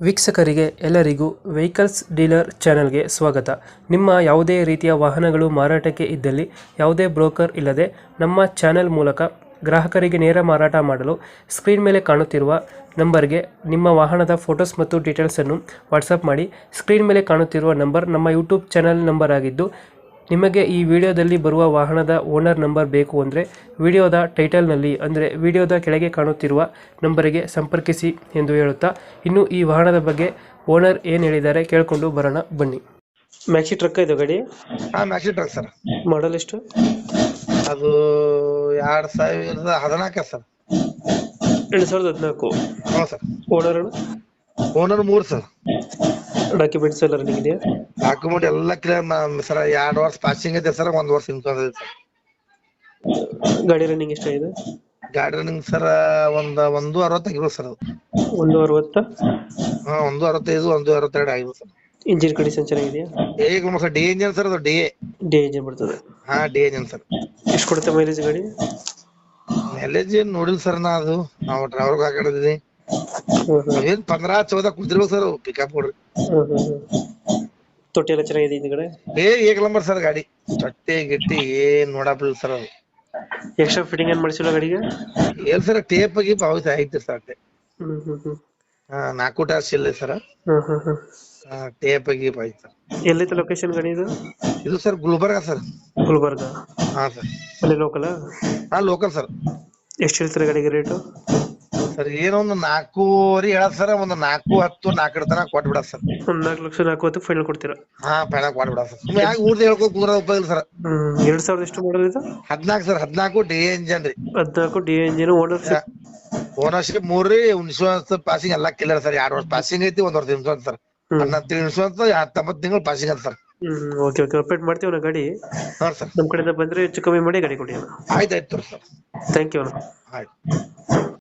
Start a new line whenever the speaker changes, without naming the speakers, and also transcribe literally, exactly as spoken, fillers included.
ವೀಕ್ಷಕರಿಗೆ ಎಲ್ಲರಿಗೂ vehicles dealer ಚಾನೆಲ್ಗೆ ಸ್ವಾಗತ. ನಿಮ್ಮ ಯಾವುದೇ ರೀತಿಯ ವಾಹನಗಳು ಮಾರಾಟಕ್ಕೆ ಇದ್ದಲ್ಲಿ ಯಾವುದೇ ಬ್ರೋಕರ್ ಇಲ್ಲದೆ ನಮ್ಮ ಚಾನೆಲ್ ಮೂಲಕ ಗ್ರಾಹಕರಿಗೆ ನೇರ ಮಾರಾಟ ಮಾಡಲು ಸ್ಕ್ರೀನ್ ಮೇಲೆ ಕಾಣುತ್ತಿರುವ ನಂಬರ್ಗೆ ನಿಮ್ಮ ವಾಹನದ ಫೋಟೋಸ್ ಮತ್ತು ಡೀಟೇಲ್ಸನ್ನು ವಾಟ್ಸಪ್ ಮಾಡಿ. ಸ್ಕ್ರೀನ್ ಮೇಲೆ ಕಾಣುತ್ತಿರುವ ನಂಬರ್ ನಮ್ಮ ಯೂಟ್ಯೂಬ್ ಚಾನೆಲ್ ನಂಬರ್ ಆಗಿದ್ದು, ನಿಮಗೆ ಈ ವಿಡಿಯೋದಲ್ಲಿ ಬರುವ ವಾಹನದ ಓನರ್ ನಂಬರ್ ಬೇಕು ಅಂದರೆ ವಿಡಿಯೋದ ಟೈಟಲ್ನಲ್ಲಿ ಅಂದರೆ ವಿಡಿಯೋದ ಕೆಳಗೆ ಕಾಣುತ್ತಿರುವ ನಂಬರಿಗೆ ಸಂಪರ್ಕಿಸಿ ಎಂದು ಹೇಳುತ್ತಾ, ಇನ್ನು ಈ ವಾಹನದ ಬಗ್ಗೆ ಓನರ್ ಏನು ಹೇಳಿದ್ದಾರೆ ಕೇಳಿಕೊಂಡು ಬರೋಣ ಬನ್ನಿ. ಮ್ಯಾಕ್ಸಿ ಟ್ರಕ್ ಇದು ಗಾಡಿ
ಹಾ ಮ್ಯಾಕ್ಸಿ ಟ್ರಕ್ ಸರ್.
ಮಾಡಲ್ ಎಷ್ಟು?
ಅದು ಎರಡ್ ಸಾವಿರದ ಹದಿನಾಲ್ಕ ಸರ್.
ಎರಡು ಸಾವಿರದ ಹದಿನಾಲ್ಕು.
ಹ್ಞೂ ಸರ್.
ಓನರ್
ಓನರ್ ಮೂರ್ ಸರ್.
ಡಾಕ್ಯುಮೆಂಟ್ಸ್ ಎಲ್ಲ ರನ್ನಿಂಗ್ ಇದೆಯಾ?
ಡಾಕ್ಯುಮೆಂಟ್ ಎಲ್ಲ ಕ್ಲಿಯರ್ ಸರ್. ಎರಡ್ ವರ್ಷ ಪಾಸಿಂಗ್ ಐತೆ ಸರ್, ಒಂದ್ ವರ್ಷ ಇನ್ಶೂರೆನ್ಸ್ ಐತೆ ಸರ್.
ಗಾಡಿ ರನ್ನಿಂಗ್ ಎಷ್ಟಾಗಿದೆ?
ಗಾಡಿ ರನ್ನಿಂಗ್ ಸರ್ ಒಂದ್ ಒಂದು ಅರವತ್ತು ಆಗಿರೋದು ಸರ್. ಅದು
ಒಂದು ಅರವತ್ತ.
ಹಾ ಒಂದು ಅರವತ್ತೈದು ಒಂದು ಅರವತ್ತೆರಡು ಆಗಿರೋದು ಸರ್.
ಇಂಜಿನ್ ಕಂಡೀಷನ್ ಚೆನ್ನಾಗಿದೆಯಾ?
ಈಗ ಸರ್ ಡಿ ಇಂಜಿನ್ ಸರ್. ಅದು ಡಿ ಎ
ಡಿ ಇಂಜಿನ್ ಬರ್ತದೆ.
ಹಾ ಡಿ ಇಂಜಿನ್ ಸರ್.
ಎಷ್ಟು ಕೊಡುತ್ತೆ ಮೈಲೇಜ್ ಗಾಡಿ?
ಮೈಲೇಜ್ ಏನ್ ನೋಡಿಲ್ಲ ಸರ್. ನಾ ಅದು ನಾವು ಡ್ರೈವರ್ಗೆ ಹಾಕಿದ್ವಿ. ಏನ್ ಪಂದ್ರ ಚೌದ ಕುದಿರ್ಬೇಕು ಸರ್ ಪಿಕಪ್ ಕೊಡ್ರಿ.
ತೊಟ್ಟಿ ಎಲ್ಲ ಚೆನ್ನಾಗಿದೆ ಹಿಂದ್ಗಡೆ?
ಏ ಏಕ್ ನಂಬರ್ ಸರ್ ಗಾಡಿ. ತೊಟ್ಟಿ ಗಿಟ್ಟಿ ಏನ್ ನೋಡಪ್ಪ ಸರ್. ಅದು
ಎಕ್ಸ್ಟ್ರಾ ಫಿಟ್ಟಿಂಗ್ ಏನ್ ಮಾಡಿಸಿಲ್ಲ ಗಾಡಿಗೆ?
ಏನ್ ಸರ್ ಟೇಪ್ ಆಗಿ ಪಾವತಿ ಐತಿ ಸರ್ ಅಷ್ಟೇ.
ಹ್ಮ್ ಹ್ಮ್ ಹ್ಮ್
ಹಾ ನಾಲ್ಕು ಟಾಸ್ ಇಲ್ಲ ಸರ್.
ಹ್ಮ್ ಹ್ಮ್ ಹ್ಮ್
ಟೇಪ್ ಆಗಿ ಪಾವತಿ ಸರ್.
ಎಲ್ಲಿತ್ತು ಲೊಕೇಶನ್ ಗಾಡಿ ಇದು?
ಇದು ಸರ್ ಗುಲ್ಬರ್ಗ ಸರ್.
ಗುಲ್ಬರ್ಗ.
ಹಾ ಸರ್.
ಅಲ್ಲಿ ಲೋಕಲ್?
ಹಾ ಲೋಕಲ್ ಸರ್.
ಎಷ್ಟು ಹೇಳ್ತಾರೆ ಗಾಡಿಗೆ ರೇಟು?
ಸರ್ ಏನೋ ಒಂದು ನಾಲ್ಕೂವರೆ ಹೇಳದ್ ಸರ್. ಒಂದು ನಾಲ್ಕು ಹತ್ತು ನಾಲ್ಕರ ತನಕ ಕೊಟ್ಟು ಬಿಡ ಸರ್.
ಒಂದ್ ನಾಲ್ಕು ಲಕ್ಷ ನಾಲ್ಕು ಹೊತ್ತು ಫೈನಲ್ ಕೊಡ್ತೀರಾ?
ಹಾ ಫೈನಲ್ ಕೊಟ್ಟು ಬಿಡ ಸರ್. ಸುಮ್ಮನೆ ಯಾಕೆ ಊರ್ದ ಹೇಳ್ಕೊ ಕೂರ ಉಪಯೋಗ ಸರ್.
ಹ್ಮ್ ಎರಡ್ ಸಾವಿರದ ಎಷ್ಟು ಮಾಡಲ್ ಇದು?
ಹದ್ನಾಲ್ಕು ಸರ್. ಹದ್ನಾಲ್ಕು ಡಿ ಇಂಜನ್ ರೀ.
ಹದ್ನಾಲ್ಕು ಡಿ ಇಂಜಿನ್. ಓನರ್ಶಿಪ್?
ಓನರ್ಶಿಪ್ ಮೂರ್ರಿ. ಇನ್ಶೂರೆನ್ಸ್ ಪಾಸಿಂಗ್ ಎಲ್ಲಾ ಕ್ಲಿಯರ್ ಸರ್. ಎರಡ್ ವರ್ಷ ಪಾಸಿಂಗ್ ಐತಿ, ಒಂದ್ ವರ್ಷ ಇನ್ಶೂರೆನ್ಸ್ ಸರ್. ಹನ್ನೊಂದು ತಿಂಗಳು ಇನ್ಶೂರೆನ್ಸ್, ಹತ್ತೊಂಬತ್ತು ತಿಂಗಳು ಪಾಸಿಂಗ್ ಅಂತ sir.
Hmm okay okay update ಮಾಡ್ತೀವಿ ನಾ ಗಾಡಿ.
ಹಾ ಸರ್.
ನಮ್ ಕಡೆಯಿಂದ ಬಂದ್ರೆ ಹೆಚ್ಚು ಕಮ್ಮಿ ಮಾಡಿ ಗಾಡಿ ಕೊಡಿ.
ಆಯ್ತು ಆಯ್ತು ಸರ್.
Thank you.
ಆಯ್ತು.